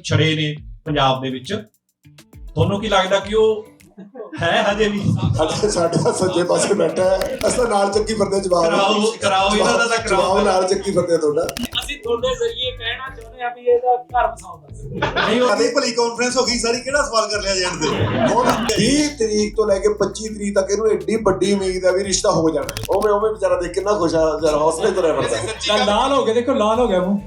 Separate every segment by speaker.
Speaker 1: ਛੜੇ ਨੇ ਪੰਜਾਬ ਦੇ ਵਿੱਚ, ਤੁਹਾਨੂੰ ਕੀ ਲੱਗਦਾ ਕਿ ਉਹ ਹੈ ਹਜੇ ਵੀ?
Speaker 2: ਸਾਡਾ ਸੱਜੇ ਪਾਸੇ ਬੈਠਾ ਹੈ, ਅਸਾਂ ਨਾਲ ਚੱਕੀ ਫਿਰਦੇ ਜਵਾਬ
Speaker 1: ਕਰਾਓ ਇਹਨਾਂ ਦਾ ਤਾਂ ਕਰਾਓ,
Speaker 2: ਨਾਲ ਚੱਕੀ ਫਿਰਦੇ ਤੁਹਾਡਾ।
Speaker 3: ਅਸੀਂ ਤੁਹਾਡੇ ਜ਼ਰੀਏ ਕਹਿਣਾ ਚਾਹੁੰਦੇ ਆ ਵੀ ਇਹਦਾ ਘਰ ਵਸਾਉਂਦਾ
Speaker 1: ਨਹੀਂ
Speaker 4: ਕਦੇ ਭਲੀ ਕਾਨਫਰੰਸ ਹੋ ਗਈ ਸਾਰੀ, ਕਿਹੜਾ ਸਵਾਲ ਕਰ ਲਿਆ ਜਾਣ ਦੇ।
Speaker 2: ਹੁਣ 20 ਤਰੀਕ ਤੋਂ ਲੈ ਕੇ 25 ਤਰੀਕ ਤੱਕ ਇਹਨੂੰ ਐਡੀ ਵੱਡੀ ਉਮੀਦ ਹੈ ਵੀ ਰਿਸ਼ਤਾ ਹੋ ਜਾਣਾ। ਉਵੇਂ ਵਿਚਾਰਾ ਦੇਖ ਕਿੰਨਾ ਖੁਸ਼ ਆ, ਜਰਾ ਹੌਸਲੇ ਤੋਂ ਰਹਿ ਫਿਰਦਾ।
Speaker 5: ਲਾਲ ਹੋ ਗਿਆ, ਦੇਖੋ ਲਾਲ ਹੋ ਗਿਆ ਮੂੰਹ।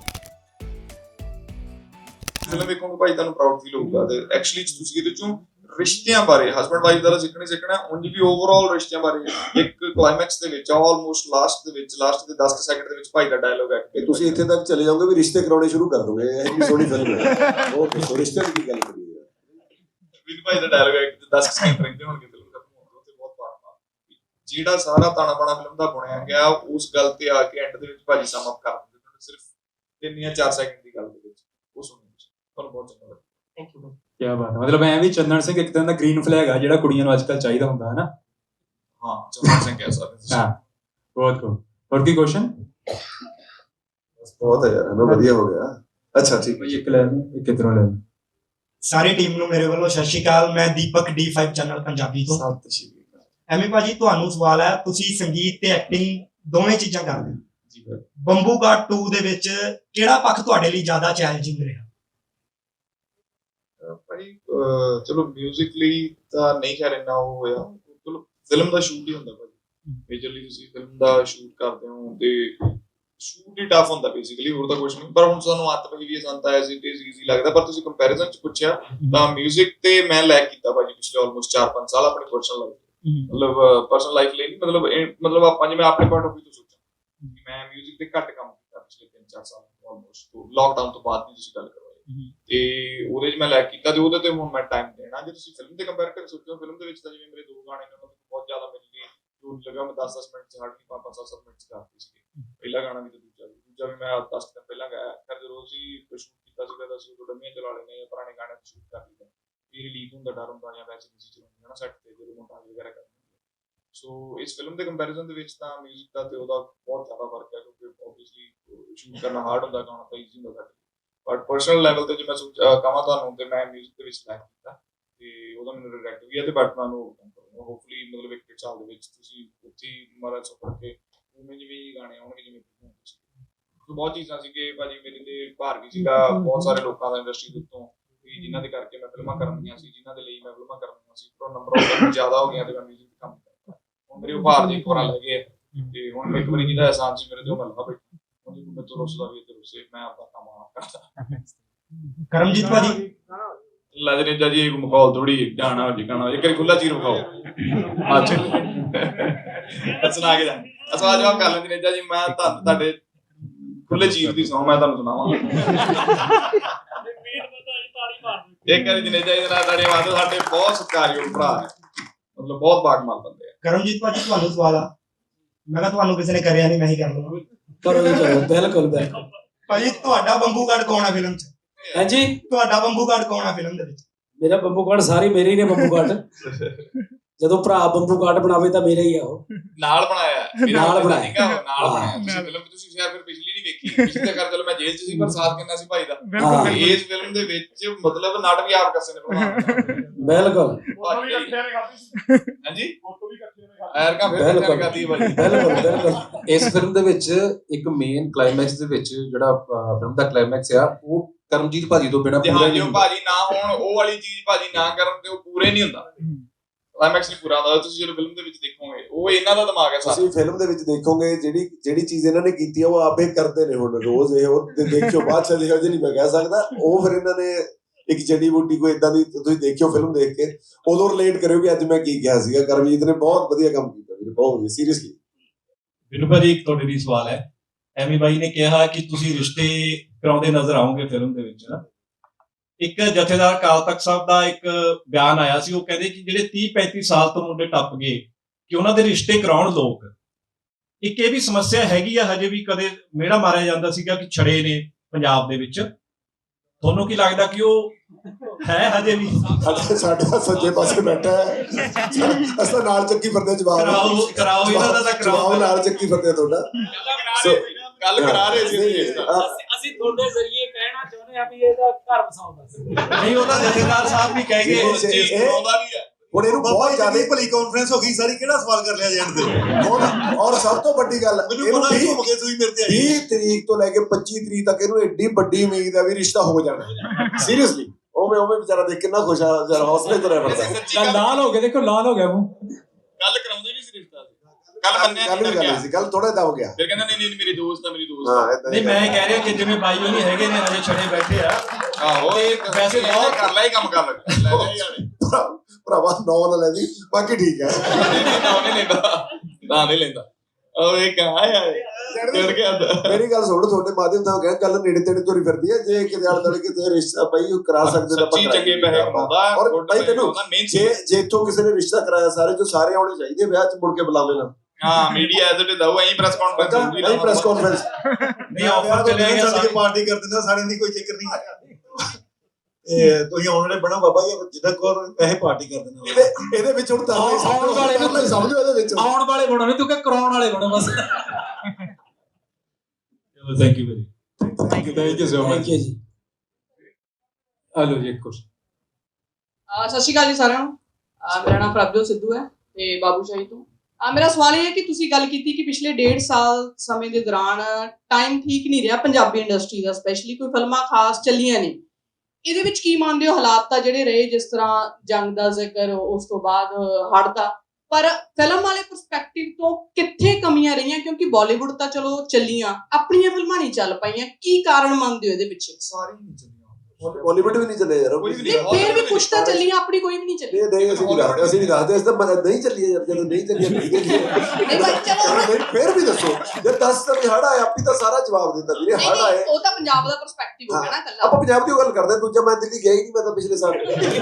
Speaker 6: ਫਿਲਮ ਵੇਖੋਗੇ ਭਾਈ ਤੁਹਾਨੂੰ ਪ੍ਰਾਊਡ ਫੀਲ ਹੋਊਗਾ। ਤੇ ਐਕਚੁਅਲੀ ਤੁਸੀਂ ਇਹਦੇ ਚੋਂ ਰਿਸ਼ਤਿਆਂ ਬਾਰੇ, ਹਸਬੈਂਡ ਵਾਈਫ ਦਾ ਸਿੱਖਣਾ ਉਂਝ ਵੀ ਓਵਰਆਲ ਰਿਸ਼ਤਿਆਂ ਬਾਰੇ ਇੱਕ ਕਲਾਈਮੈਕਸ ਦੇ ਵਿੱਚ ਆਲਮੋਸਟ ਲਾਸਟ ਦੇ 10 ਸੈਕਿੰਡ ਦੇ ਵਿੱਚ ਭਾਈ ਦਾ ਡਾਇਲੋਗ ਹੈ ਕਿ
Speaker 2: ਤੁਸੀਂ ਇੱਥੇ ਤੱਕ ਚਲੇ ਜਾਓਗੇ ਵੀ ਰਿਸ਼ਤੇ ਕਰਾਉਣੇ ਸ਼ੁਰੂ ਕਰ ਦੋਗੇ। ਇਹ ਵੀ ਸੋਹਣੀ ਫਿਲਮ ਹੈ। ਓਕੇ, ਸੋ ਰਿਸ਼ਤੇ ਦੀ ਗੱਲ ਕਰੀਏ।
Speaker 6: ਵਿਨ ਭਾਈ ਦਾ ਡਾਇਲੋਗ ਹੈ ਕਿ 10 ਸੈਕਿੰਡ ਰਹਿੰਦੇ ਹੋਣਗੇ ਫਿਲਮ ਖਤਮ ਹੋਣ ਤੋਂ, ਤੇ ਬਹੁਤ ਪਾਰਮਾ ਜਿਹੜਾ ਸਾਰਾ ਤਾਣਾ ਬਾਣਾ ਫਿਲਮ ਦਾ ਬਣਾਇਆ ਗਿਆ ਉਸ ਗੱਲ ਤੇ ਆ ਕੇ ਐਂਡ ਦੇ ਵਿੱਚ ਭਾਜੀ ਸਮ ਅਪ ਕਰ ਦਿੰਦੇ ਤੁਹਾਨੂੰ ਸਿਰਫ 3 ਜਾਂ 4 ਸੈਕਿੰਡ ਦੀ ਗੱਲ ਦੇ ਵਿੱਚ। ਉਹ ਸੁਣੋ ਤੁਹਾਨੂੰ ਬਹੁਤ ਚੰਗਾ ਲੱਗਾ।
Speaker 3: Thank you.
Speaker 5: ਕੀ ਬਾਤ ਹੈ, ਮਤਲਬ ਐ ਵੀ ਚੰਦਨ ਸਿੰਘ ਇੱਕ ਤਰ੍ਹਾਂ ਦਾ ਗ੍ਰੀਨ ਫਲੈਗ ਆ ਜਿਹੜਾ ਕੁੜੀਆਂ ਨੂੰ ਅੱਜਕੱਲ ਚਾਹੀਦਾ ਹੁੰਦਾ ਹੈ ਨਾ।
Speaker 6: ਹਾਂ ਚੰਦਨ ਸਿੰਘ ਕਹਿ ਸਕਦੇ ਤੁਸੀਂ।
Speaker 5: ਹਾਂ ਬਹੁਤ cool। ਹੋਰ ਕੀ ਕੁਐਸਚਨ?
Speaker 2: ਬਹੁਤ ਹੈ ਯਾਰ, ਹਨਾ ਵਧੀਆ ਹੋ ਗਿਆ। ਅੱਛਾ ਠੀਕ ਹੈ,
Speaker 5: ਇੱਕ ਲੈ ਲਓ, ਇੱਕ ਇਧਰੋਂ ਲੈ ਲਓ।
Speaker 7: ਸਾਰੀ ਟੀਮ ਨੂੰ ਮੇਰੇ ਵੱਲੋਂ ਸਤਿ ਸ਼੍ਰੀ ਅਕਾਲ। ਮੈਂ ਦੀਪਕ D5 ਚੈਨਲ ਪੰਜਾਬੀ ਤੋਂ।
Speaker 6: ਸਤਿ ਸ਼੍ਰੀ ਅਕਾਲ
Speaker 7: ਐਵੇਂ ਭਾਜੀ ਤੁਹਾਨੂੰ ਸਵਾਲ ਹੈ, ਤੁਸੀਂ ਸੰਗੀਤ ਤੇ ਐਕਟਿੰਗ ਦੋਵੇਂ ਚੀਜ਼ਾਂ ਕਰਦੇ ਹੋ
Speaker 6: ਜੀ ਭਾਈ।
Speaker 7: ਬੰਬੂ ਗਾਟ 2 ਦੇ ਵਿੱਚ ਕਿਹੜਾ ਪੱਖ ਤੁਹਾਡੇ ਲਈ ਜ਼ਿਆਦਾ ਚੈਲੰਜਿੰਗ ਰਿਹਾ?
Speaker 6: ਭਾਈ ਚਲੋ ਮਿਊਜ਼ਿਕਲੀ ਤਾਂ ਨਹੀਂ ਖੈਰ ਇੰਨਾ ਉਹ ਹੋਇਆ। ਚਲੋ ਫਿਲਮ ਦਾ ਸ਼ੂਟ ਹੀ ਹੁੰਦਾ ਭਾਈ, ਮੇਜਰਲੀ ਤੁਸੀਂ ਫਿਲਮ ਦਾ ਸ਼ੂਟ ਕਰਦੇ ਹੋ ਤੇ ਸ਼ੂਟ ਹੀ ਟਫ ਹੁੰਦਾ ਬੇਸਿਕਲੀ, ਹੋਰ ਤਾਂ ਕੁਝ ਨਹੀਂ। ਪਰ ਹੁਣ ਸਾਨੂੰ ਆਦਤ ਪਈ ਵੀ ਸਾਨੂੰ ਤਾਂ ਐਜ਼ ਇਟ ਇਜ਼ ਈਜ਼ੀ ਲੱਗਦਾ। ਪਰ ਤੁਸੀਂ ਕੰਪੈਰੀਜ਼ਨ ਚ ਪੁੱਛਿਆ ਤਾਂ ਮਿਊਜ਼ਿਕ ਤੇ ਮੈਂ ਲੈਕ ਕੀਤਾ ਭਾਜੀ ਪਿਛਲੇ ਆਲਮੋਸਟ 4-5 ਸਾਲ ਆਪਣੀ ਪਰਸਨਲ ਲਾਈਫ, ਮਤਲਬ ਪਰਸਨਲ ਲਾਈਫ ਲਈ ਨਹੀਂ, ਮਤਲਬ ਆਪਾਂ ਜਿਵੇਂ ਆਪਣੇ ਪੁਆਇੰਟ ਆਫ ਵਿਊ ਤੋਂ ਸੋਚਾਂ ਮੈਂ ਮਿਊਜ਼ਿਕ ਤੇ ਘੱਟ ਕੰਮ ਕੀਤਾ ਪਿਛਲੇ 3-4 ਸਾਲ ਆਲਮੋਸਟ। ਲਾਕਡਾਊਨ ਤੋਂ ਬਾਅਦ ਦੀ ਤੁਸੀਂ ਗੱਲ ਕਰੋ ਤੇ ਉਹਦੇ 'ਚ ਮੈਂ ਲੈਕ ਕੀਤਾ ਤੇ ਉਹਦੇ ਤੇ ਹੁਣ ਮੈਂ ਟਾਈਮ ਦੇਣਾ। ਜੇ ਤੁਸੀਂ ਫਿਲਮ ਦੇ ਕੰਪੇਅਰ ਕਰਕੇ ਸੋਚੋ, ਫਿਲਮ ਦੇ ਵਿੱਚ ਤਾਂ ਜਿਵੇਂ ਮੇਰੇ 2 ਗਾਣੇ ਨੇ ਉਹਨਾਂ ਤੋਂ ਬਹੁਤ ਜ਼ਿਆਦਾ ਮੇਰੇ ਲਈ ਜੋ ਲਗਾ ਮੈਂ 10-10 ਮਿੰਟ ਚ ਹਾਰਡਲੀ 5-7 ਮਿੰਟ ਚ ਕਰਤੀ ਸੀ। ਪਹਿਲਾ ਗਾਣਾ ਵੀ ਤੇ ਦੂਜਾ ਵੀ ਮੈਂ 10 ਦਿਨ ਪਹਿਲਾਂ ਗਾਇਆ। ਫਿਰ ਜਦੋਂ ਅਸੀਂ ਸ਼ੂਟ ਕੀਤਾ ਸੀਗਾ ਤਾਂ ਅਸੀਂ ਉਦੋਂ ਡੰਮੀਆਂ ਚਲਾ ਲੈਂਦੇ ਜਾਂ ਪੁਰਾਣੇ ਗਾਣੇ ਸ਼ੂਟ ਕਰ ਲਈਦਾ, ਵੀ ਰਿਲੀਜ਼ ਹੁੰਦਾ ਡਰ ਹੁੰਦਾ ਜਾਂ ਵੈਸੇ ਨਹੀਂ ਚਲਾਉਂਦੇ ਨਾ ਸੈੱਟ ਤੇ ਜਦੋਂ ਮੋਂਟਾਜ ਵਗੈਰਾ ਕਰਦੇ। ਸੋ ਇਸ ਫਿਲਮ ਦੇ ਕੰਪੈਰੀਜ਼ਨ ਦੇ ਵਿੱਚ ਤਾਂ ਮਿਊਜ਼ਿਕ ਦਾ ਤੇ ਉਹਦਾ ਬਹੁਤ ਜ਼ਿਆਦਾ ਫਰਕ ਹੈ, ਕਿਉਂਕਿ ਓਬਵੀਅਸਲੀ ਸ਼ੂਟ ਕਰਨਾ ਹਾਰਡ ਹੁੰਦਾ, ਗਾਣਾ ਤਾਂ ਈਜ਼ੀ ਹੁੰਦਾ ਸਾਡੇ। ਬਟ ਪਰਸਨਲ ਲੈਵਲ ਤੇ ਜੇ ਮੈਂ ਕਹਾਂ ਤੁਹਾਨੂੰ ਤੇ ਮੈਂ ਮਿਊਜ਼ਿਕ ਦੇ ਵਿੱਚ ਲੈਕ ਕੀਤਾ ਤੇ ਉਹਦਾ ਮੈਨੂੰ ਰਿਗਰੈਟ ਵੀ ਹੈ। ਤੇ ਬਟ ਮੈਂ ਉਹਨੂੰ ਹੋਪਫੁਲੀ ਮਤਲਬ 1 ਸਾਲ ਦੇ ਵਿੱਚ ਤੁਸੀਂ ਉੱਥੇ ਮਾਰਾ ਸਫਰ ਕੇ ਉਵੇਂ ਜਿਵੇਂ ਗਾਣੇ ਆਉਣਗੇ ਜਿਵੇਂ ਬਹੁਤ ਚੀਜ਼ਾਂ ਸੀ ਕਿ ਭਾਜੀ ਮੇਰੇ ਤੇ ਭਾਰ ਵੀ ਸੀਗਾ ਬਹੁਤ ਸਾਰੇ ਲੋਕਾਂ ਦਾ ਇੰਡਸਟਰੀ ਦੇ ਉੱਤੋਂ ਵੀ ਜਿਨ੍ਹਾਂ ਦੇ ਕਰਕੇ ਮੈਂ ਫਿਲਮਾਂ ਕਰਨੀਆਂ ਸੀ, ਜਿਨ੍ਹਾਂ ਦੇ ਲਈ ਮੈਂ ਫਿਲਮਾਂ ਕਰਨੀਆਂ ਸੀ, ਪਰ ਨੰਬਰ ਆਫ ਜ਼ਿਆਦਾ ਹੋ ਗਿਆ ਤੇ ਮੈਂ ਮਿਊਜ਼ਿਕ ਤੇ ਕੰਮ ਕਰਦਾ। ਹੁਣ ਮੇਰੇ ਉਹ ਭਾਰ ਜੇ ਇੱਕ ਵਾਰ ਲੈ ਗਏ ਤੇ ਹੁਣ ਇੱਕ ਵਾਰੀ ਜਿਹਦਾ ਅਹਿਸਾਨ ਸੀ ਮੇਰੇ ਤੇ ਉਹ ਮੈਂ ਲਾ ਬੈਠਾ। ਹੁਣ ਜੇ ਮੈਂ ਤੋਂ ਰੁੱਸਦਾ ਵੀ ਤੇ ਰੁੱਸੇ, ਮੈਂ ਆਪਦਾ ਕੰਮ ਆਪ ਕਰਦਾ।
Speaker 7: ਕਰਮਜੀਤ ਭਾਜੀ
Speaker 6: ਲਜਨੇਜਾ ਜੀ ਇੱਕ ਮਖੌਲ ਥੋੜੀ ਜਾਣਾ ਹੋ ਜਿਕਾਣਾ ਇੱਕ ਵਾਰੀ ਖੁੱਲਾ ਚੀਰ ਵਿਖਾਓ। ਅੱਛਾ ਸੁਣਾ ਕੇ ਜਾ ਅਸਵਾ ਜਵਾਬ ਕਰ ਲੈਂਦੇ ਨੇਜਾ ਜੀ। ਮੈਂ ਤੁਹਾਡੇ ਖੁੱਲੇ ਚੀਰ ਦੀ ਸੌਂ ਮੈਂ ਤੁਹਾਨੂੰ ਸੁਣਾਵਾਂ। ਇੱਕ ਵਾਰੀ ਜਨੇਜਾ ਜੀ ਦੇ ਨਾਲ ਤੁਹਾਡੇ ਵਾਦ ਸਾਡੇ ਬਹੁਤ ਸਤਿਕਾਰਯੋਗ ਭਰਾ ਹੈ, ਮਤਲਬ ਬਹੁਤ ਬਾਗਮਾਲ ਬੰਦੇ ਆ।
Speaker 7: ਕਰਮਜੀਤ ਭਾਜੀ ਤੁਹਾਨੂੰ ਸਵਾਲ ਆ, ਮੈਂ ਕਿਹਾ ਤੁਹਾਨੂੰ ਕਿਸੇ ਨੇ ਕਰਿਆ ਨਹੀਂ, ਮੈਂ ਹੀ ਕਰ ਲਵਾਂ।
Speaker 5: ਬਿਲਕੁਲ
Speaker 7: ਭਾਜੀ ਤੁਹਾਡਾ ਬੰਬੂ ਗਾਟ ਕੌਣ ਆ ਫਿਲਮ 'ਚ?
Speaker 5: ਹਾਂਜੀ,
Speaker 7: ਤੁਹਾਡਾ ਬੰਬੂ ਗਾਟ ਕੌਣ ਆ ਫਿਲਮ ਦੇ ਵਿੱਚ?
Speaker 5: ਮੇਰਾ ਬੰਬੂ ਕਾਰਡ ਸਾਰੇ ਮੇਰੇ ਹੀ ਨੇ। ਬੰਬੂ ਕਾਰਡ ਜਦੋਂ ਭਰਾ ਬੰਬੂ ਕਾਰਡ ਬਣਾਵੇ ਤਾਂ ਮੇਰਾ ਹੀ ਆ ਉਹ।
Speaker 6: ਨਾਲ ਬਣਾਇਆ
Speaker 5: ਨਾਲ ਬਣਾਇਆ
Speaker 6: ਤੁਸੀਂ ਫਿਲਮ ਤੁਸੀਂ ਸ਼ਾਇਦ ਫਿਰ ਪਿਛਲੀ ਨਹੀਂ ਵੇਖੀ। ਪਿਛਲੇ ਕਰ ਚਲੋ ਮੈਂ ਜੇਲ੍ਹ 'ਚ ਸੀ ਪਰ ਸਾਥ ਕਿੰਨਾ ਸੀ ਭਾਈ ਦਾ। ਇਸ ਫਿਲਮ ਦੇ ਵਿੱਚ ਮਤਲਬ ਨਾਟਕ ਵੀ ਆਪ ਕੱਸੇ ਨੇ
Speaker 5: ਬਿਲਕੁਲ
Speaker 6: ਹਾਂਜੀ ਐਰਕਾ ਫਿਰ ਕਰਦੀ ਭਾਜੀ।
Speaker 5: ਬਿਲਕੁਲ
Speaker 8: ਇਸ ਫਿਲਮ ਦੇ ਵਿੱਚ ਇੱਕ ਮੇਨ ਕਲਾਈਮੈਕਸ ਦੇ ਵਿੱਚ ਜਿਹੜਾ ਫਿਲਮ ਦਾ ਕਲਾਈਮੈਕਸ ਆ ਉਹ ਕਰਮਜੀਤ ਭਾਜੀ ਤੋਂ ਬਿਨਾ ਪੂਰਾ ਨਹੀਂ ਹੁੰਦਾ।
Speaker 6: ਭਾਜੀ ਨਾ ਹੋਣ ਉਹ ਵਾਲੀ ਚੀਜ਼ ਭਾਜੀ ਨਾ ਕਰਨ ਤੇ ਉਹ ਪੂਰੇ ਨਹੀਂ ਹੁੰਦਾ, ਕਲਾਈਮੈਕਸ ਨਹੀਂ ਪੂਰਾ ਹੁੰਦਾ। ਤੁਸੀਂ ਜਦੋਂ ਫਿਲਮ ਦੇ ਵਿੱਚ ਦੇਖੋਗੇ ਉਹ ਇਹਨਾਂ ਦਾ ਦਿਮਾਗ ਹੈ ਸਾਰਾ।
Speaker 2: ਤੁਸੀਂ ਫਿਲਮ ਦੇ ਵਿੱਚ ਦੇਖੋਗੇ ਜਿਹੜੀ ਚੀਜ਼ ਇਹਨਾਂ ਨੇ ਕੀਤੀ ਆ ਉਹ ਆਪੇ ਕਰਦੇ ਨੇ। ਹੁਣ ਰੋਜ਼ ਇਹ ਉਹ ਦੇਖਿਓ ਬਾਅਦ ਚ ਦੇਖਿਓ ਜੀ ਨਹੀਂ ਮੈਂ ਕਹਿ ਸਕਦਾ। ਉਹ ਫਿਰ ਇਹਨਾਂ ਨੇ ਇੱਕ ਜੜੀ ਬੂਟੀ ਕੋਈ ਇਦਾਂ ਦੀ ਤੁਸੀਂ ਦੇਖਿਓ ਫਿਲਮ ਦੇਖ ਕੇ ਉਦੋਂ ਰਿਲੇਟ ਕਰਿਓ ਕਿ ਅੱਜ ਮੈਂ ਕੀ ਕਿਹਾ ਸੀਗਾ। ਕਰਮਜੀਤ ਨੇ ਬਹੁਤ ਵਧੀਆ ਕੰਮ ਕੀਤਾ ਵੀਰੇ, ਬਹੁਤ ਵਧੀਆ ਸੀਰੀਅਸਲੀ।
Speaker 1: ਬਿਨੂ ਭਾਜੀ ਇੱਕ ਤੁਹਾਡੇ ਲਈ ਸਵਾਲ ਹੈ। ਐਮੀ ਬਾਈ ਨੇ ਕਿਹਾ ਕਿ ਤੁਸੀਂ ਰਿਸ਼ਤੇ ਕਰਾਉਂਦੇ ਨਜ਼ਰ ਆਓਗੇ ਫਿਲਮ ਦੇ ਵਿੱਚ ਨਾ। ਇੱਕ ਜਥੇਦਾਰ ਅਕਾਲ ਤਖਤ ਸਾਹਿਬ ਦਾ ਇੱਕ ਬਿਆਨ ਆਇਆ ਸੀ, ਉਹ ਕਹਿੰਦੇ ਕਿ ਜਿਹੜੇ 30-35 ਸਾਲ ਤੋਂ ਮੁੰਡੇ ਟੱਪ ਗਏ ਕਿ ਉਹਨਾਂ ਦੇ ਰਿਸ਼ਤੇ ਕਰਾਉਣ ਲੋਕ। ਇੱਕ ਇਹ ਵੀ ਸਮੱਸਿਆ ਹੈਗੀ ਆ ਹਜੇ ਵੀ, ਕਦੇ ਮਿਹੜਾ ਮਾਰਿਆ ਜਾਂਦਾ ਸੀਗਾ ਕਿ ਛੜੇ ਨੇ ਪੰਜਾਬ ਦੇ ਵਿੱਚ, ਤੁਹਾਨੂੰ ਕੀ ਲੱਗਦਾ ਕਿ ਉਹ ਹੈ ਹਜੇ ਵੀ?
Speaker 2: ਸਾਡਾ ਸੱਜੇ ਪਾਸੇ ਬੈਠਾ ਹੈ, ਅਸਾਂ ਨਾਲ ਚੱਕੀ ਫਿਰਦੇ ਜਵਾਬ
Speaker 1: ਕਰਾਓ ਇਹਨਾਂ ਦਾ ਤਾਂ ਕਰਾਓ,
Speaker 2: ਨਾਲ ਚੱਕੀ ਫਿਰਦੇ ਤੁਹਾਡਾ।
Speaker 6: ਗੱਲ ਕਰਾ ਰਹੇ ਸੀ
Speaker 3: ਅਸੀਂ ਤੁਹਾਡੇ ਜ਼ਰੀਏ ਕਹਿਣਾ ਚਾਹੁੰਦੇ ਚਾਹੁੰਦੇ ਆ ਵੀ ਇਹਦਾ ਘਰ ਵਸਾਉਂਦਾ
Speaker 1: ਨਹੀਂ ਉਹਦਾ ਜਥੇਦਾਰ ਸਾਹਿਬ ਵੀ ਕਹਿ ਗਏ
Speaker 6: ਆਉਂਦਾ ਵੀ ਹੈ
Speaker 2: ਹੁਣ ਇਹਨੂੰ
Speaker 4: ਬਾਬਾ
Speaker 2: ਬਹੁਤ
Speaker 4: ਜੀ
Speaker 2: ਜ਼ਿਆਦਾ
Speaker 4: ਦੀ ਭਲੀ ਕਾਨਫਰੰਸ ਹੋ ਗਈ ਸਾਰੀ ਕਿਹੜਾ ਸਵਾਲ ਕਰ ਲਿਆ ਜੈਂਡ ਦੇ
Speaker 2: ਔਰ ਸਭ ਤੋਂ ਵੱਡੀ ਗੱਲ
Speaker 4: ਮੈਨੂੰ
Speaker 2: ਇਹਨੂੰ
Speaker 4: ਪਤਾ ਹੀ
Speaker 2: 20
Speaker 4: ਘੁੰਮ ਕੇ ਤੁਸੀਂ ਮੇਰੇ ਤੇ ਆਈ
Speaker 2: 20 ਤਰੀਕ ਤੋਂ ਲੈ ਕੇ 25 ਤਰੀਕ ਤੱਕ ਇਹਨੂੰ ਐਡੀ ਵੱਡੀ ਉਮੀਦ ਹੈ ਵੀ ਰਿਸ਼ਤਾ ਹੋ ਜਾਣਾ ਸੀਰੀਅਸਲੀ ਉਵੇਂ ਵਿਚਾਰਾ ਦੇਖ ਕਿੰਨਾ ਖੁਸ਼ ਆ ਜਰਾ ਹੌਸਲੇ ਤੋਂ ਰਹਿ ਪੜਦਾ
Speaker 5: ਲਾਲ ਹੋ ਗਿਆ, ਦੇਖੋ ਲਾਲ ਹੋ ਗਿਆ ਮੂੰਹ।
Speaker 6: ਗੱਲ ਕਰਾਉਂਦੇ ਵੀ ਸੀ ਰਿਸ਼ਤਾ ਕੱਲ ਮੰਨਿਆ
Speaker 2: ਗੱਲ ਵੀ ਕਰ ਲਈ ਸੀ ਗੱਲ ਥੋੜਾ ਦਬ ਗਿਆ
Speaker 6: ਫਿਰ ਕਹਿੰਦਾ ਨਹੀਂ ਮੇਰੀ ਦੋਸਤ ਆ ਮੇਰੀ ਦੋਸਤ
Speaker 2: ਹਾਂ ਏਦਾਂ
Speaker 1: ਨਹੀਂ ਮੈਂ ਕਹਿ ਰਿਹਾ ਕਿ ਜਿਵੇਂ ਬਾਈ ਹੋਣੀ ਹੈਗੇ ਨੇ ਹਜੇ ਛੜੇ ਬੈਠੇ ਆ
Speaker 6: ਆਹੋ
Speaker 1: ਵੈਸੇ ਬਹੁਤ
Speaker 6: ਕਰ ਲੈ ਹੀ ਕੰਮ ਕਰ ਲੈ ਲੈ ਯਾਰੇ
Speaker 2: ਭਰਾਵਾ ਨੌ ਨਾ ਲੈ ਦੀ ਬਾਕੀ ਠੀਕ ਹੈ
Speaker 6: ਨਹੀਂ ਲੈਂਦਾ ਉਹ ਇਹ ਕਹਾ ਯਾਰ ਚੜ ਗਿਆ
Speaker 2: ਮੇਰੀ ਗੱਲ ਸੁਣ ਤੁਹਾਡੇ ਮਾਧਿਅਮ ਤੋਂ ਕਹਿ ਗੱਲ ਨੇੜੇ ਤੇੜੇ ਤੁਰੀ ਫਿਰਦੀ ਹੈ ਜੇ ਕਿਤੇ ਆਲੇ ਦੁਆਲੇ ਕਿਤੇ ਰਿਸ਼ਤਾ ਭਾਈ ਉਹ ਕਰਾ ਸਕਦੇ ਤਾਂ
Speaker 6: ਸੱਚੀ ਚੰਗੇ ਪੈਸੇ ਕਮਾਉਂਦਾ
Speaker 2: ਔਰ ਭਾਈ ਤੈਨੂੰ ਜੇ ਇੱਥੋਂ ਕਿਸੇ ਨੇ ਰਿਸ਼ਤਾ ਕਰਾਇਆ ਸਾਰੇ ਆਉਣੇ ਚਾਹੀਦੇ ਵਿਆਹ 'ਚ ਮੁੜ ਕੇ ਬੁਲਾਵੇ ਨਾ
Speaker 6: ਹਾਂ ਮੀਡੀਆ ਐਜ਼ ਇਟ ਦਊ ਐਂ ਪ੍ਰੈਸ ਕਾਨਫਰੰਸ
Speaker 2: ਨਹੀਂ ਪ੍ਰੈਸ ਕਾਨਫਰੰਸ
Speaker 1: ਨਹੀਂ ਆਫਰ ਚਲੇ ਗਿਆ
Speaker 4: ਸਾਰੇ ਪਾਰਟੀ ਕਰ ਦਿੰਦਾ ਸਾਰਿਆਂ ਦੀ ਕੋਈ ਜ਼ਿਕਰ ਨਹੀਂ ਇਹ ਤੁਸੀਂ ਆਉਣ ਵਾਲੇ ਬਣਾ ਬਾਬਾ ਜੀ ਜਿੱਦਾਂ ਕੋਰ ਪੈਸੇ ਪਾਰਟੀ ਕਰ ਦਿੰਦਾ
Speaker 2: ਇਹਦੇ ਵਿੱਚ ਹੁਣ ਤਾਂ
Speaker 5: ਆਉਣ ਵਾਲੇ ਨੂੰ
Speaker 2: ਸਮਝੋ ਇਹਦੇ ਵਿੱਚ
Speaker 5: ਆਉਣ ਵਾਲੇ ਬਣੋ ਨਹੀਂ ਤੂੰ ਕਿ ਕਰਾਉਣ ਵਾਲੇ ਬਣੋ ਬਸ।
Speaker 1: Thank you very
Speaker 8: thank you so much
Speaker 5: thank you ਜੀ।
Speaker 8: ਹਲੋ ਜੀ ਕੁਝ
Speaker 9: ਸਤਿ ਸ਼੍ਰੀ ਅਕਾਲ ਜੀ ਸਾਰਿਆਂ ਨੂੰ। ਮੇਰਾ ਨਾਮ ਪ੍ਰਭਜੋਤ ਸਿੱਧੂ ਹੈ ਤੇ ਬਾਬੂਸ਼ਾਹੀ ਤੋਂ। ਮੇਰਾ ਸਵਾਲ ਇਹ ਹੈ ਕਿ ਤੁਸੀਂ ਗੱਲ ਕੀਤੀ ਕਿ ਪਿਛਲੇ 1.5 ਸਾਲ ਸਮੇਂ ਦੇ ਦੌਰਾਨ ਟਾਈਮ ਠੀਕ ਨਹੀਂ ਰਿਹਾ ਪੰਜਾਬੀ ਇੰਡਸਟਰੀ ਦਾ, ਸਪੈਸ਼ਲੀ ਕੋਈ ਫਿਲਮਾਂ ਖਾਸ ਚੱਲੀਆਂ ਨਹੀਂ। ਇਹਦੇ ਵਿੱਚ ਕੀ ਮੰਨਦੇ ਹੋ ਹਾਲਾਤ ਤਾਂ ਜਿਹੜੇ ਰਹੇ, ਜਿਸ ਤਰ੍ਹਾਂ ਜੰਗ ਦਾ ਜ਼ਿਕਰ, ਉਸ ਤੋਂ ਬਾਅਦ ਹੜ੍ਹ ਦਾ, ਪਰ ਫਿਲਮ ਵਾਲੇ ਪਰਸਪੈਕਟਿਵ ਤੋਂ ਕਿੱਥੇ ਕਮੀਆਂ ਰਹੀਆਂ? ਕਿਉਂਕਿ ਬਾਲੀਵੁੱਡ ਤਾਂ ਚਲੋ ਚੱਲੀਆਂ, ਆਪਣੀਆਂ ਫਿਲਮਾਂ ਨਹੀਂ ਚੱਲ ਪਾਈਆਂ। ਕੀ ਕਾਰਨ ਮੰਨਦੇ ਹੋ ਇਹਦੇ ਪਿੱਛੇ?
Speaker 6: ਸਾਰੀ ਨਹੀਂ ਚੱਲੀਆਂ
Speaker 2: ਬਾਲੀਵੁੱਡ ਵੀ ਨਹੀਂ ਚੱਲੇ ਯਾਰ
Speaker 9: ਫਿਰ ਵੀ ਕੁਛ ਤਾਂ ਚੱਲੀਆਂ, ਆਪਣੀ ਕੋਈ ਵੀ ਨਹੀਂ ਚੱਲੀ।
Speaker 2: ਨਹੀਂ ਅਸੀਂ ਨਹੀਂ ਦੱਸਦੇ ਇਸ ਤਾਂ ਨਹੀਂ ਚੱਲੀ ਯਾਰ ਜਦੋਂ ਨਹੀਂ ਚੱਲੀ ਨਹੀਂ ਚੱਲੀ
Speaker 9: ਨਹੀਂ ਭਾਈ ਚਲੋ
Speaker 2: ਫਿਰ ਵੀ ਦੱਸੋ ਜੇ 10 ਤਾਂ ਹੜ ਆਇਆ ਆਪਣੀ ਤਾਂ ਸਾਰਾ ਜਵਾਬ ਦਿੱਤਾ ਵੀਰੇ ਹੜ ਆਏ
Speaker 9: ਉਹ ਤਾਂ ਪੰਜਾਬ ਦਾ ਪਰਸਪੈਕਟਿਵ ਹੋ ਗਿਆ ਨਾ ਕੱਲਾ।
Speaker 2: ਆਪਾਂ ਪੰਜਾਬ ਦੀ ਗੱਲ ਕਰਦੇ ਦੂਜਾ ਮੈਂ ਦਿੱਲੀ ਗਿਆ ਹੀ ਨਹੀਂ, ਮੈਂ ਤਾਂ ਪਿਛਲੇ ਸਾਲ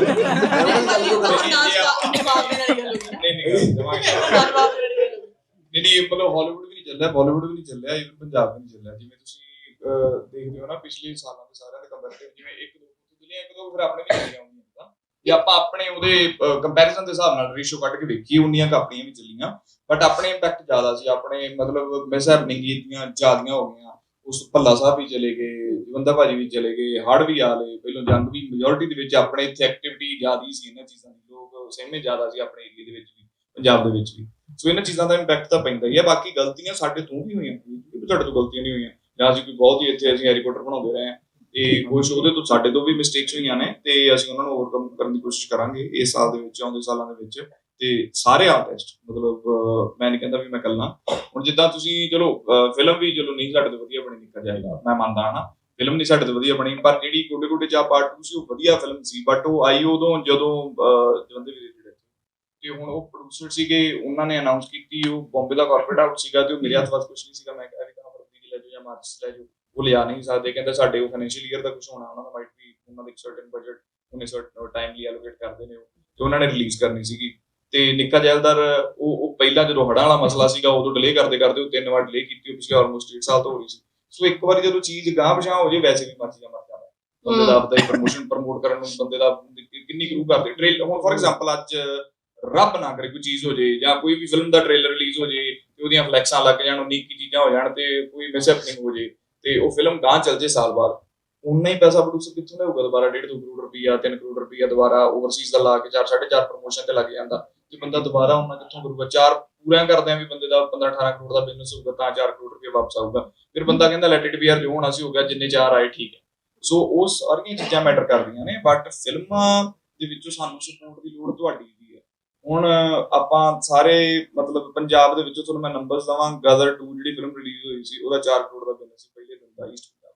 Speaker 6: ਨਹੀਂ ਮਤਲਬ ਹਾਲੀਵੁੱਡ ਵੀ ਨਹੀਂ ਚੱਲਿਆ, ਬਾਲੀਵੁੱਡ ਵੀ ਨਹੀਂ ਚੱਲਿਆ, ਇਵਨ ਪੰਜਾਬ ਵੀ ਨਹੀਂ ਚੱਲਿਆ। ਜਿਵੇਂ ਤੁਸੀਂ ਦੇਖਦੇ ਹੋ ਨਾ ਪਿਛਲੇ ਸਾਲਾਂ ਦੇ ਸਾਰਿਆਂ ਦੇ ਕੰਪੈਰੀਟਿਵ, ਜਿਵੇਂ ਇੱਕ ਦੋ ਫਿਰ ਆਪਣੇ ਵੀ ਚੱਲੀਆਂ ਹੁੰਦੀਆਂ ਤਾਂ ਜੇ ਆਪਾਂ ਆਪਣੇ ਉਹਦੇ ਕੰਪੈਰੀਜ਼ਨ ਦੇ ਹਿਸਾਬ ਨਾਲ ਰੇਸ਼ੋ ਕੱਢ ਕੇ ਵੇਖੀਏ ਉਨੀਆਂ ਆਪਣੀਆਂ ਵੀ ਚੱਲੀਆਂ, ਬਟ ਆਪਣੇ ਇੰਪੈਕਟ ਜ਼ਿਆਦਾ ਸੀ। ਆਪਣੇ ਮਤਲਬ ਮਿਸ ਹੈਪਨਿੰਗ ਦੀਆਂ ਜ਼ਿਆਦੀਆਂ ਹੋ ਗਈਆਂ। ਉਸ ਭੱਲਾ ਸਾਹਿਬ ਵੀ ਚਲੇ ਗਏ, ਜਵੰਦਾ ਭਾਜੀ ਵੀ ਚਲੇ ਗਏ, ਹੜ੍ਹ ਵੀ ਆ ਲਏ, ਪਹਿਲਾਂ ਜੰਗ ਵੀ ਮੈਜੋਰਿਟੀ ਦੇ ਵਿੱਚ ਆਪਣੇ ਇੱਥੇ ਐਕਟੀਵਿਟੀ ਜ਼ਿਆਦਾ ਸੀ ਇਹਨਾਂ ਚੀਜ਼ਾਂ ਦੀ, ਲੋਕ ਸਹਿਮੇ ਜ਼ਿਆਦਾ ਸੀ ਆਪਣੇ ਏਰੀਆ ਦੇ ਵਿੱਚ ਵੀ, ਪੰਜਾਬ ਦੇ ਵਿੱਚ ਵੀ। ਸੋ ਇਹਨਾਂ ਚੀਜ਼ਾਂ ਦਾ ਇੰਪੈਕਟ ਤਾਂ ਪੈਂਦਾ ਹੀ ਹੈ। ਬਾਕੀ ਗਲਤੀਆਂ ਸਾਡੇ ਤੋਂ ਵੀ ਹੋਈਆਂ, ਤੁਹਾਡੇ ਤੋਂ ਗਲਤੀਆਂ ਨਹੀਂ ਹੋਈਆਂ, ਜਾਂ ਅਸੀਂ ਕੋਈ ਬਹੁਤ ਹੀ ਇੱਥੇ ਅਸੀਂ ਹੈਰੀ ਪੋਟਰ ਬਣਾਉਂਦੇ ਰਹੇ ਹਾਂ ਤੇ ਕੁਛ ਉਹਦੇ ਤੋਂ ਸਾਡੇ ਤੋਂ ਵੀ ਮਿਸਟੇਕਸ ਹੋਈਆਂ ਨੇ ਤੇ ਅਸੀਂ ਉਹਨਾਂ ਨੂੰ ਓਵਰਕਮ ਕਰਨ ਦੀ ਕੋਸ਼ਿਸ਼ ਕਰਾਂਗੇ ਇਸ ਸਾਲ ਦੇ ਵਿੱਚ, ਆਉਂਦੇ ਸਾਲਾਂ ਦੇ ਵਿੱਚ। ਤੇ ਸਾਰੇ ਆਰਟਿਸਟ ਮਤਲਬ ਮੈਂ ਨਹੀਂ ਕਹਿੰਦਾ ਵੀ ਮੈਂ ਇਕੱਲਾ, ਹੁਣ ਜਿੱਦਾਂ ਤੁਸੀਂ ਚਲੋ ਫਿਲਮ ਵੀ ਚਲੋ ਨਹੀਂ ਸਾਡੇ ਤੋਂ ਵਧੀਆ ਬਣੀ ਨਿਕਲ ਜਾਏਗਾ, ਮੈਂ ਮੰਨਦਾ ਹਾਂ ਨਾ ਫਿਲਮ ਨਹੀਂ ਸਾਡੇ ਤੋਂ ਵਧੀਆ ਬਣੀ, ਪਰ ਜਿਹੜੀ ਗੋਡੇ ਗੋਡੇ ਚਾਹ ਪਾਰਟ 2 ਸੀ ਉਹ ਵਧੀਆ ਫਿਲਮ ਸੀ। ਬਟ ਉਹ ਆਈ ਉਦੋਂ ਜਦੋਂ ਜਵੰਦੇ ਵੀਰੇ ਜਿਹੜੇ ਤੇ ਹੁਣ ਉਹ ਪ੍ਰੋਡਿਊਸਰ ਸੀਗੇ, ਉਹਨਾਂ ਨੇ ਅਨਾਉਂਸ ਕੀਤੀ, ਉਹ ਬੰਬੇ ਦਾ ਕਾਰਪੋਰੇਟ ਹਾਊਸ ਸੀਗਾ ਤੇ ਉਹ ਮੇਰੇ ਹੱਥ ਵਾਸ ਕੁਝ ਨਹੀਂ ਸੀਗਾ। ਮੈਂ ਕਿਹਾ ਵੀ ਤਾਂ ਫਰਵਰੀ ਲੈ ਜਾਓ ਜਾਂ ਮਾਰਚ ਲੈ ਜਾਓ, ਉਹ ਲਿਆ ਨਹੀਂ ਸਕਦੇ। ਕਹਿੰਦਾ ਸਾਡੇ ਉਹ ਫਾਈਨੈਂਸ਼ੀਅਲ ਈਅਰ ਦਾ ਕੁਝ ਹੋਣਾ, ਉਹਨਾਂ ਦਾ ਮਾਈਟ ਵੀ ਉਹਨਾਂ ਦਾ ਇੱਕ ਸਰਟਨ ਬਜਟ ਉਹਨੇ ਸਰਟਨ ਟਾਈਮਲੀ ਐਲੋਕੇਟ ਕਰਦੇ ਨੇ ਤੇ ਉਹਨਾਂ ਨੇ ਰਿਲੀਜ਼ ਕਰਨੀ ਸੀਗੀ। ਤੇ ਨਿੱਕਾ ਜੈਲਦਾਰ ਉਹ ਪਹਿਲਾਂ ਜਦੋਂ ਹੜ੍ਹਾਂ ਵਾਲਾ ਮਸਲਾ ਸੀਗਾ ਉਦੋਂ ਡਿਲੇ ਕਰਦੇ ਉਹ 3 ਵਾਰ ਡਿਲੇ ਕੀਤੀ, ਉਹ ਪਿਛਲੇ ਆਲਮੋਸਟ 1.5 ਸਾਲ ਤੋਂ ਹੋ ਰਹੀ ਸੀ। ਸੋ ਇੱਕ ਵਾਰੀ ਜਦੋਂ ਚੀਜ਼ ਗਾਂਹ ਪਛਾਂ ਹੋ ਜੇ ਵੈਸੇ ਵੀ ਮਰ ਜਾਂਦਾ ਬੰਦੇ ਦਾ ਆਪਦਾ ਹੀ ਪ੍ਰਮੋਟ ਕਰਨ ਨੂੰ ਬੰਦੇ ਦਾ ਕਿੰਨੀ ਗਰੂ ਕਰਦੇ ਟ੍ਰੇਲਰ। ਹੁਣ ਫੋਰ ਐਗਜ਼ਾਮਪਲ ਅੱਜ ਰੱਬ ਨਾ ਕਰੇ ਕੋਈ ਚੀਜ਼ ਹੋ ਜੇ ਜਾਂ ਕੋਈ ਵੀ ਫਿਲਮ ਦਾ ਟ੍ਰੇਲਰ ਰਿਲੀਜ਼ ਹੋ ਜੇ ਤੇ ਉਹਦੀਆਂ ਫਲੈਕਸਾਂ ਲੱਗ ਜਾਣ, ਉਨੀਕੀ ਚੀਜ਼ਾਂ ਹੋ ਜਾਣ ਤੇ ਕੋਈ ਮਿਸਹੈਪਨਿੰਗ ਹੋ ਜੇ ਤੇ ਉਹ ਫਿਲਮ ਗਾਂਹ ਚੱਲ ਜੇ ਸਾਲ ਬਾਅਦ, ਉਨਾ ਹੀ ਪੈਸਾ ਪ੍ਰੋਡਿਊਸਰ ਕਿੱਥੋਂ ਲਿਆਊਗਾ ਦੁਬਾਰਾ? 1.5-2 ਕਰੋੜ ਰੁਪਈਆ 3 ਕਰੋੜ ਰੁਪਈਆ ਦੁਬਾਰਾ ਓਵਰਸੀਜ਼ ਦਾ ਲਾ ਕੇ 4-4.5 ਪ੍ਰਮੋਸ਼ਨ ਤੇ ਲੱਗ ਜਾਂਦਾ ਤੇ ਬੰਦਾ ਦੁਬਾਰਾ ਉਹਨਾਂ ਕਿੱਥੋਂ ਕਰੂਗਾ? 4 ਪੂਰਿਆਂ ਕਰਦਿਆਂ ਵੀ ਬੰਦੇ ਦਾ 15-18 ਕਰੋੜ ਦਾ ਬਿਜ਼ਨਸ ਹੋਊਗਾ ਤਾਂ 4 ਕਰੋੜ ਰੁਪਏ ਵਾਪਸ ਆਊਗਾ। ਫਿਰ ਬੰਦਾ ਕਹਿੰਦਾ ਲੈਟ ਇਟ ਬੀ ਯਾਰ, ਜੋ ਹੋਣਾ ਸੀ ਹੋ ਗਿਆ, ਜਿੰਨੇ 4 ਆਏ ਠੀਕ ਹੈ। ਸੋ ਉਹ ਸਾਰੀਆਂ ਚੀਜ਼ਾਂ ਮੈਟਰ ਕਰਦੀਆਂ ਨੇ, ਬਟ ਫਿਲਮਾਂ ਦੇ ਵਿੱਚੋਂ ਸਾਨੂੰ ਸਪੋਰਟ ਦੀ ਲੋੜ ਤੁਹਾਡੀ ਦੀ ਹੈ। ਹੁਣ ਆਪਾਂ ਸਾਰੇ ਮਤਲਬ ਪੰਜਾਬ ਦੇ ਵਿੱਚੋਂ ਤੁਹਾਨੂੰ ਮੈਂ ਨੰਬਰਸ ਦਵਾਂ, ਗਦਰ 2 ਜਿਹੜੀ ਫਿਲਮ ਰਿਲੀਜ਼ ਹੋਈ ਸੀ ਉਹਦਾ 4 ਕਰੋੜ ਦਾ ਬਿਜ਼ਨਸ ਸੀ ਪਹਿਲੇ ਦਿਨ ਦਾ ਈਸਟ ਪੰਜਾਬ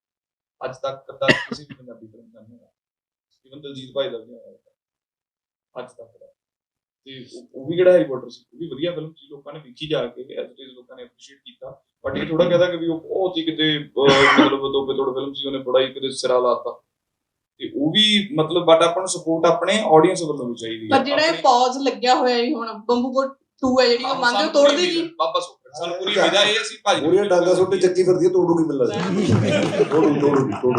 Speaker 6: ਦਾ। ਅੱਜ ਤੱਕ ਕਦਾ ਕਿਸੇ ਵੀ ਪੰਜਾਬੀ ਫਿਲਮ ਦਾ ਨਹੀਂ ਹੋਇਆ, ਇਵਨ ਦਲਜੀਤ ਭਾਈ ਦਾ ਵੀ ਹੋਇਆ ਅੱਜ ਤੱਕ ਦਾ। ਤੇ ਉਹ ਵੀ ਜਿਹੜਾ ਹੈਰੀ ਪੋਟਰ ਸੀ ਉਹ ਵੀ ਵਧੀਆ ਫਿਲਮ ਸੀ, ਲੋਕਾਂ ਨੇ ਵੇਖੀ ਜਾ ਕੇ, ਐਜ਼ ਇਟ ਇਜ਼ ਲੋਕਾਂ ਨੇ ਐਪਰੀਸ਼ੀਏਟ ਕੀਤਾ। ਬਟ ਇਹ ਥੋੜਾ ਕਹਦਾ ਕਿ ਵੀ ਉਹ ਬਹੁਤ ਹੀ ਕਿਤੇ ਮਤਲਬ ਦੋਬੇ ਤੋੜ ਫਿਲਮ ਸੀ, ਉਹਨੇ ਬੜਾ ਹੀ ਕਿਤੇ ਸਿਰਾ ਲਾਤਾ ਤੇ ਉਹ ਵੀ ਮਤਲਬ। ਬਟ ਆਪਾਂ ਨੂੰ ਸਪੋਰਟ ਆਪਣੇ ਆਡੀਅנס ਵੱਲੋਂ ਵੀ ਚਾਹੀਦੀ ਹੈ।
Speaker 9: ਪਰ ਜਿਹੜਾ ਇਹ ਪੌਜ਼ ਲੱਗਿਆ ਹੋਇਆ ਹੈ ਹੁਣ ਬੰਬੂਗੋਟ 2 ਹੈ ਜਿਹੜੀ, ਉਹ ਮੰਨਦੇ ਹੋ ਤੋੜ ਦੇਗੀ?
Speaker 6: ਬਾਬਾ ਸੁੱਖ ਸਾਨੂੰ ਪੂਰੀ ਵਿਦਾ ਇਹ ਅਸੀਂ ਭਾਜੀ
Speaker 2: ਪੂਰੀਆਂ ਡਾਂਗਾ ਸੁੱਟੇ ਚੱਕੀ ਫਿਰਦੀ ਹੈ, ਤੋੜੂਗੀ ਮਿਲ ਲੱਗਦਾ ਤੋੜੂ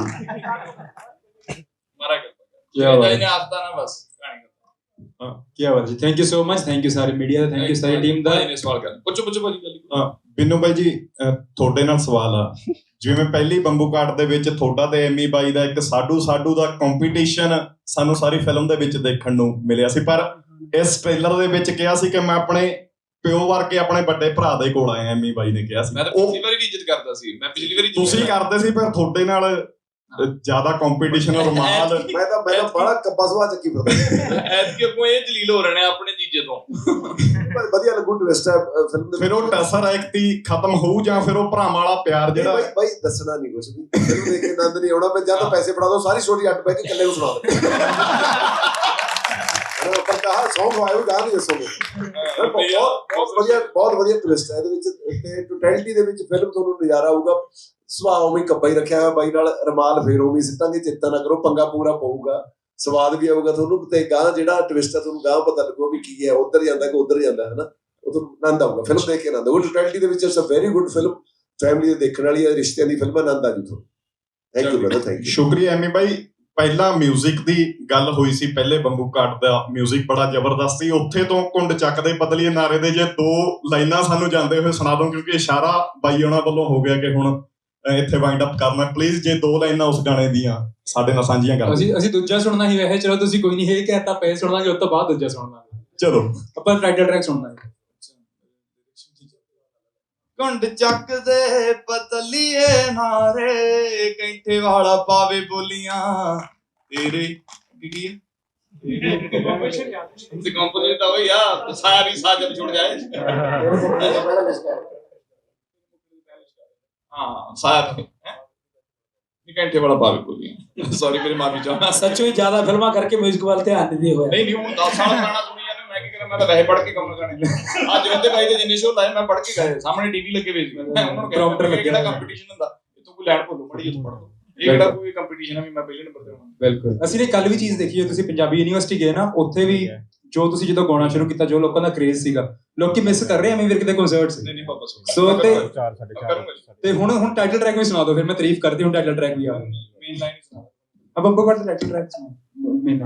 Speaker 6: ਮਾਰਾ ਕਰ
Speaker 8: ਕਿਆ ਬਾਤ
Speaker 6: ਇਹਨੇ ਆਸਤਾ ਨਾ ਬਸ ਕਹਾਣੀ
Speaker 8: ਕੀ ਬਾਤ ਜੀ। Thank you so much, thank you ਸਾਰੀ ਮੀਡੀਆ ਦਾ, ਥੈਂਕ ਯੂ ਸਾਰੀ ਟੀਮ ਦਾ।
Speaker 6: ਇਹਨੇ ਸਵਾਲ ਕਰ ਪੁੱਛੋ ਭਾਜੀ ਗੱਲ।
Speaker 4: ਬਿੰਨੂ ਬਾਈ ਜੀ ਤੁਹਾਡੇ ਨਾਲ ਸਵਾਲ ਆ,
Speaker 10: ਜਿਵੇਂ ਪਹਿਲੀ ਬੰਬੂ ਕਾਟ ਦੇ ਵਿੱਚ ਤੁਹਾਡਾ ਤੇ ਐਮੀ ਬਾਈ ਦਾ ਇੱਕ ਸਾਡੂ ਦਾ ਕੰਪੀਟੀਸ਼ਨ ਸਾਨੂੰ ਸਾਰੀ ਫਿਲਮ ਦੇ ਵਿੱਚ ਦੇਖਣ ਨੂੰ ਮਿਲਿਆ ਸੀ, ਪਰ ਇਸ ਟ੍ਰੇਲਰ ਦੇ ਵਿੱਚ ਕਿਹਾ ਸੀ ਕਿ ਮੈਂ ਆਪਣੇ ਪਿਓ ਵਰਗੇ ਆਪਣੇ ਵੱਡੇ ਭਰਾ ਦੇ ਕੋਲ ਆਇਆ, ਐਮੀ ਬਾਈ ਨੇ ਕਿਹਾ ਸੀ।
Speaker 6: ਮੈਂ ਤਾਂ ਪਿਛਲੀ ਵਾਰੀ ਵੀ ਇੱਜ਼ਤ ਕਰਦਾ ਸੀ, ਮੈਂ ਪਿਛਲੀ ਵਾਰੀ
Speaker 10: ਤੁਸੀਂ ਕਰਦੇ ਸੀ, ਪਰ ਤੁਹਾਡੇ ਨਾਲ ਜ਼ਿਆਦਾ ਕੰਪੀਟੀਸ਼ਨ ਰਮਾਲ
Speaker 2: ਮੈਂ ਤਾਂ ਬੜਾ ਕੱਬਾ ਸੁਭਾਅ ਚੱਕੀ ਫਿਰਦਾ।
Speaker 6: ਐਤਕੀ ਅੱਗੋਂ ਇਹ ਜਲੀਲ ਹੋ ਰਹੇ ਨੇ ਆਪਣੇ ਜੀਜੇ ਤੋਂ।
Speaker 2: ਵਧੀਆ ਲੱਗੂ ਟਵਿਸਟ ਹੈ ਫਿਲਮ ਦੇ।
Speaker 10: ਫਿਰ ਉਹ ਟਸਰ ਐਕਟੀ ਖਤਮ ਹੋਊ ਜਾਂ ਫਿਰ ਉਹ ਭਰਾਵਾਂ ਵਾਲਾ ਪਿਆਰ ਜਿਹੜਾ
Speaker 2: ਬਾਈ ਦੱਸਣਾ ਨਹੀਂ ਕੁਝ ਵੀ, ਫਿਲਮ ਦੇਖ ਕੇ ਆਨੰਦ ਨਹੀਂ ਆਉਣਾ। ਮੈਂ ਜਾਂ ਤਾਂ ਪੈਸੇ ਫੜਾ ਦੋ, ਸਾਰੀ ਸਟੋਰੀ ਅੱਡ ਬੈ ਕੇ ਇਕੱਲੇ ਨੂੰ ਸੁਣਾ ਦੇ। ਪਰ ਕਹਾ ਸੌਂਗ ਆਇਆ ਉਹ ਗਾ ਨਹੀਂ ਦੱਸੋਗੇ। ਬਹੁਤ ਵਧੀਆ ਟਵਿਸਟ ਹੈ ਇਹਦੇ ਵਿੱਚ ਤੇ ਟੋਟੈਲਿਟੀ ਦੇ ਵਿੱਚ ਫਿਲਮ ਤੁਹਾਨੂੰ ਨਜ਼ਾਰਾ ਆਊਗਾ। ਸੁਭਾਅ ਉਵੇਂ ਕੱਬਾ ਹੀ ਰੱਖਿਆ ਹੋਇਆ ਬਾਈ ਨਾਲ, ਰਮਾਲ ਫੇਰ ਉਵੇਂ ਸਿੱਟਾਂਗੇ, ਚਿੰਤਾ ਨਾ ਕਰੋ, ਪੰਗਾ ਪੂਰਾ ਪਊਗਾ, ਸਵਾਦ ਵੀ ਆਊਗਾ ਤੁਹਾਨੂੰ। ਤੇ ਗਾਂ ਜਿਹੜਾ ਟਵਿਸਟ ਹੈ ਤੁਹਾਨੂੰ ਗਾਂ ਪਤਾ ਲੱਗੂਗਾ ਵੀ ਕੀ ਹੈ, ਉੱਧਰ ਜਾਂਦਾ ਕਿ ਉੱਧਰ ਜਾਂਦਾ ਹੈ ਨਾ, ਉਹ ਤੁਹਾਨੂੰ ਆਨੰਦ ਆਊਗਾ ਫਿਲਮ ਦੇਖ ਕੇ ਆਨੰਦ ਆਊਗਾ। ਟੋਟੈਲਿਟੀ ਦੇ ਵਿੱਚ it's a very good film, family ਦੇ ਦੇਖਣ ਵਾਲੀ ਹੈ, ਰਿਸ਼ਤਿਆਂ ਦੀ ਫਿਲਮ, ਆਨੰਦ ਆ ਜੂ ਤੁਹਾਨੂੰ। Thank you brother, thank you.
Speaker 10: ਸ਼ੁਕਰੀਆ ਐਮੀ ਬਾਈ। ਪਹਿਲਾਂ 뮤직 ਦੀ ਗੱਲ ਹੋਈ ਸੀ, ਪਹਿਲੇ ਬੰਬੂ ਕਾਟ ਦਾ 뮤직 ਬੜਾ ਜ਼ਬਰਦਸਤ ਸੀ। ਉੱਥੇ ਤੋਂ ਕੁੰਡ ਚੱਕਦੇ ਪਤਲੀਏ ਨਾਰੇ ਦੇ ਜੇ 2 ਲਾਈਨਾਂ ਸਾਨੂੰ ਜਾਂਦੇ ਹੋਏ ਸੁਣਾ ਦੋ, ਕਿਉਂਕਿ ਇਸ਼ਾਰਾ ਬਾਈ ਉਹਨਾਂ ਵੱਲੋਂ ਹੋ ਗਿਆ ਕਿ ਹੁਣ ਇੱਥੇ ਵਾਈਂਡ ਅਪ ਕਰਨਾ। ਪਲੀਜ਼ ਜੇ 2 ਲਾਈਨਾਂ ਉਸ ਗਾਣੇ ਦੀਆਂ ਸਾਡੇ ਨਾਲ ਸਾਂਝੀਆਂ ਕਰ ਦਿਓ।
Speaker 11: ਅਸੀਂ ਦੂਜਾ ਸੁਣਨਾ ਹੀ ਵੈਸੇ, ਚਲੋ ਤੁਸੀਂ ਕੋਈ ਨਹੀਂ ਇਹ ਕਹਿਤਾ ਪਏ ਸੁਣਾਂਗੇ, ਉਸ ਤੋਂ ਬਾਅਦ ਦੂਜਾ ਸੁਣਨਾ।
Speaker 10: ਚਲੋ
Speaker 11: ਆਪਾਂ ਟਾਈਟਲ ਟਰੈਕ ਸੁਣਨਾ ਹੈ।
Speaker 6: ਕੁੰਡ ਚੱਕਦੇ ਪਤਲੀਏ ਨਾਰੇ, ਕੈਂਠੇ ਵਾਲਾ ਪਾਵੇ ਬੋਲੀਆਂ ਤੇਰੇ ਕੀ ਹੈ ਤੇ ਕੰਪੋਜ਼ਿਟ ਤਾਂ ਹੋਈ ਆ, ਸਾਰੀ ਸਾਜਬ ਛੁੱਟ ਜਾਏ। ਹਾਂ ਸਾਰਾ ਕੈਂਠੇ ਵਾਲਾ ਪਾਵੇ ਬੋਲੀਆਂ। ਸੌਰੀ ਮੇਰੀ ਮਾਫੀ ਚਾਹੁੰਦਾ।
Speaker 5: ਸੱਚੋ ਹੀ ਜ਼ਿਆਦਾ ਫਿਲਮਾਂ ਕਰਕੇ 뮤직 ਵੱਲ ਧਿਆਨ ਨਹੀਂ ਦੇ ਹੋਇਆ।
Speaker 6: ਨਹੀਂ ਹੁਣ 10 ਸਾਲ ਗਾਣਾ ਸੁਣੀ ਜਾਂਦੇ, ਮੈਂ ਕੀ ਕਰਾਂ, ਮੈਂ ਤਾਂ ਵੈਸੇ ਪੜ੍ਹ ਕੇ ਕੰਮ ਕਰਨੇ। ਅੱਜ ਜਵੰਦੇ ਬਾਈ ਦੇ ਜਿੰਨੇ ਸ਼ੋਅ ਲਾਏ ਮੈਂ ਪੜ੍ਹ ਕੇ ਗਏ, ਸਾਹਮਣੇ ਟੀਵੀ ਲੱਗੇ ਹੋਏ ਸੀ, ਮੈਂ ਉਹਨਾਂ ਨੂੰ ਕਿਹਾ ਕਿਹੜਾ ਕੰਪੀਟੀਸ਼ਨ ਹੁੰਦਾ, ਤੂੰ ਕੋਈ ਲੈਣ ਭੁੱਲੋ ਮੜੀ ਇੱਥੋਂ ਪੜ੍ਹ ਲਓ, ਇਹ ਕਿਹੜਾ ਕੋਈ ਕੰਪੀਟੀਸ਼ਨ ਆ ਵੀ ਮੈਂ ਪਹਿਲੇ ਨੰਬਰ ਤੇ ਆਉਣਾ।
Speaker 11: ਬਿਲਕੁਲ। ਅਸੀਂ ਨੇ ਕੱਲ ਵੀ ਚੀਜ਼ ਦੇਖੀ ਹੈ, ਤੁਸੀਂ ਪੰਜਾਬੀ ਯੂਨੀਵਰਸਿਟੀ ਗਏ ਨਾ, ਉੱਥੇ ਵੀ ਜੋ ਤੁਸੀਂ ਜਦੋਂ ਗਾਉਣਾ ਸ਼ੁਰੂ ਕੀਤਾ, ਜੋ ਲੋਕਾਂ ਦਾ ਕ੍ਰੇਜ਼ ਸੀਗਾ, ਲੋਕੀ ਮਿਸ ਕਰ ਰਹੇ ਐਮੀ ਵਿਰਕ ਦੇ ਕਨਸਰਟਸ।
Speaker 6: ਨਹੀਂ ਪਾਪਾ
Speaker 11: ਸੋ ਤੇ ਹੁਣ ਟਾਈਟਲ ਟਰੈਕ ਵੀ ਸੁਣਾ ਦਿਓ, ਫਿਰ ਮੈਂ ਤਾਰੀਫ ਕਰਦੀ ਹੁਣ ਟਾਈਟਲ ਟਰੈਕ ਵੀ ਆ
Speaker 6: ਮੇਨ ਲਾਈਨ ਸੁਣਾ।
Speaker 11: अब हमको कर टाइटल ट्रैक सुना।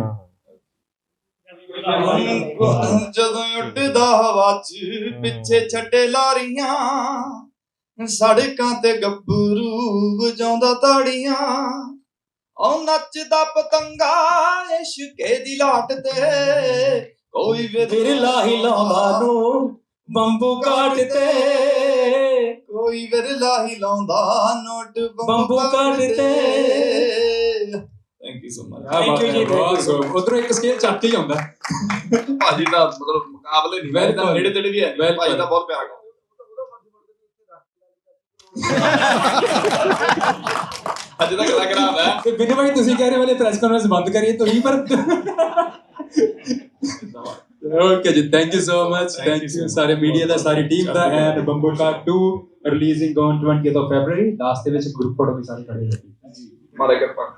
Speaker 6: ਜਦੋਂ ਉੱਡਦਾ ਹਵਾ 'ਚ ਪਿੱਛੇ ਛੱਡੇ ਲਾਰੀਆਂ, ਸੜਕਾਂ ਤੇ ਗੱਭਰੂ ਵਜਾਉਂਦਾ ਤਾੜੀਆਂ, ਉਹ ਨੱਚਦਾ ਪਤੰਗਾ ਇਸ਼ਕੇ ਦੀ ਲਾਟ ਤੇ, ਕੋਈ
Speaker 5: ਵਿਰਲਾ ਹੀ ਲਾਉਂਦਾ ਨੂੰ ਬੰਬੂ ਕਾਟ ਤੇ,
Speaker 6: ਕੋਈ ਵਿਰਲਾ ਹੀ ਲਾਉਂਦਾ ਨੋਟ
Speaker 5: ਬੰਬੂ ਕਾਟ ਤੇ।
Speaker 6: Thank you so much.
Speaker 5: Thank you ਜੀ।
Speaker 11: ਉਧਰੋਂ ਇੱਕ ਸਕੇਲ ਚੱਕ ਹੀ ਆਉਂਦਾ
Speaker 6: ਭਾਜੀ ਦਾ ਮਤਲਬ ਮੁਕਾਬਲੇ ਨਹੀਂ, ਮੈਂ ਤਾਂ ਨੇੜੇ ਤੇੜੇ ਵੀ ਹੈ, ਭਾਜੀ ਦਾ ਬਹੁਤ ਪਿਆਰ ਕਰਦਾ। ਅੱਜ ਤੱਕ ਲੱਗ ਰਿਹਾ ਹੈ
Speaker 11: ਤੇ ਬਿਨਾਂ ਭਾਈ ਤੁਸੀਂ ਕਹਿ ਰਹੇ ਵਾਲੇ ਪ੍ਰੈਸ ਕਾਨਫਰੰਸ ਬੰਦ ਕਰੀਏ ਤੁਸੀਂ, ਪਰ ਓਕੇ ਜੀ, thank you so much. Thank you ਸਾਰੇ ਮੀਡੀਆ ਦਾ, ਸਾਰੀ ਟੀਮ ਦਾ। And Bambukat 2 releasing on 20th of February। Last ਦੇ ਵਿੱਚ ਗਰੁੱਪ ਫੋਟੋ ਵੀ ਸਾਰੇ ਖੜੇ ਹੋਏ ਜੀ।
Speaker 6: ਮਾਰੇ ਕਿਰਪਾ।